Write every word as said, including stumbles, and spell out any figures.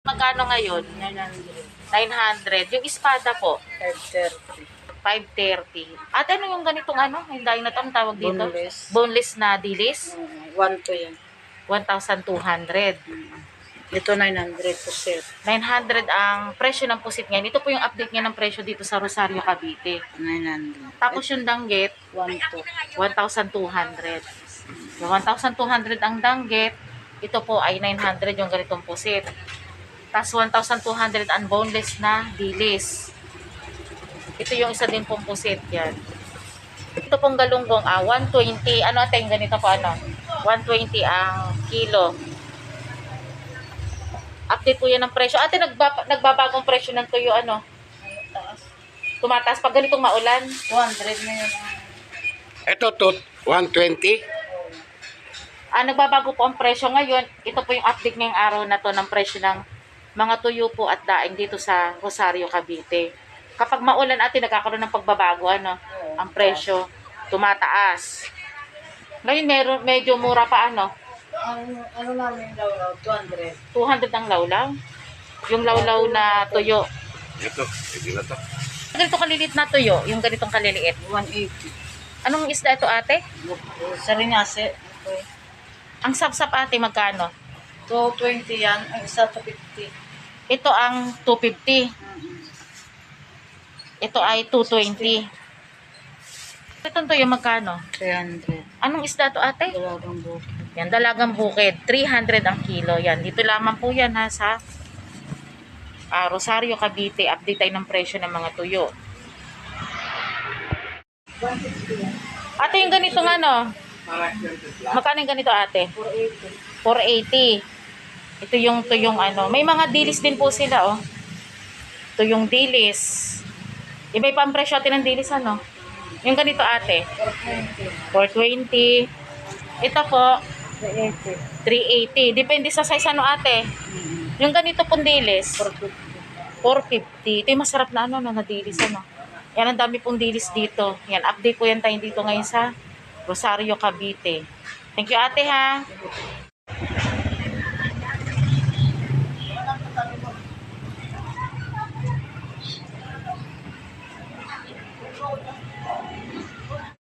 Magkano ngayon? nine hundred. nine hundred. Yung espada po, five thirty. five thirty. At ano yung ganitong ano? Yung dahil na to, ang tawag dito? Boneless. Boneless na dilis? Uh, one to yan. one thousand two hundred. Ito nine hundred po set. nine hundred ang presyo ng pusit ngayon. Ito po yung update niya ng presyo dito sa Rosario, Cavite. nine hundred. Tapos yung danggit, one to. one thousand two hundred. Yung one thousand two hundred ang danggit, ito po ay nine hundred yung ganitong pusit. Tapos one thousand two hundred ang boneless na dilis. Ito yung isa din pong pusit yan. Ito pong galunggong, ah, one twenty. Ano ate yung ganito po ano? one twenty ang kilo. Update po yan ng presyo. Ate, nagba, nagbabagong presyo ng tuyo, ano? Tumataas pag ganitong maulan. two hundred na yun. Ito to one twenty. Ah, nagbabago po ang presyo ngayon. Ito po yung update ngayong araw na to ng presyo ng mga tuyo po at daing dito sa Rosario, Cavite. Kapag maulan, ate, nagkakaroon ng pagbabago, ano? Ang presyo, tumataas. Ngayon, meron, medyo mura pa, ano? Ang ano namin daw, two hundred. two hundred ang lawlaw. Yung lawlaw na tuyo. Ito, hindi na to. Ganito kalilit na tuyo, yung ganitong kaliliit. one eighty. Anong isda ito, ate? Sarinyase. Ito eh. Ang sapsap, ate, magkano? two twenty yan. Ang isa two fifty. Ito ang two fifty. Ito ay two twenty. Itong tuyo, magkano? three hundred. Anong isda to, ate? Dalagang buko. Yan, dalagang bukid. three hundred ang kilo. Yan, dito lamang po yan ha sa ah, Rosario, Cavite. Update tayo ng presyo ng mga tuyo. one sixty yan. Ate, yung ganito nga, no? Magkano yung ganito, ate? four eighty. four eighty. Ito yung tuyong ano. May mga dilis din po sila, oh. Tuyong dilis. Iba pa ang presyo natin ng dilis, ano? Yung ganito, ate? four twenty. four twenty. Ito po, three eighty. three eighty. Depende sa size, ano, ate? Yung ganito pong dilis, four fifty. four fifty. Ito yung masarap na ano, na dilis, ano. Yan, ang dami pong dilis dito. Yan, update po yan tayo dito ngayon sa Rosario, Cavite. Thank you, ate, ha.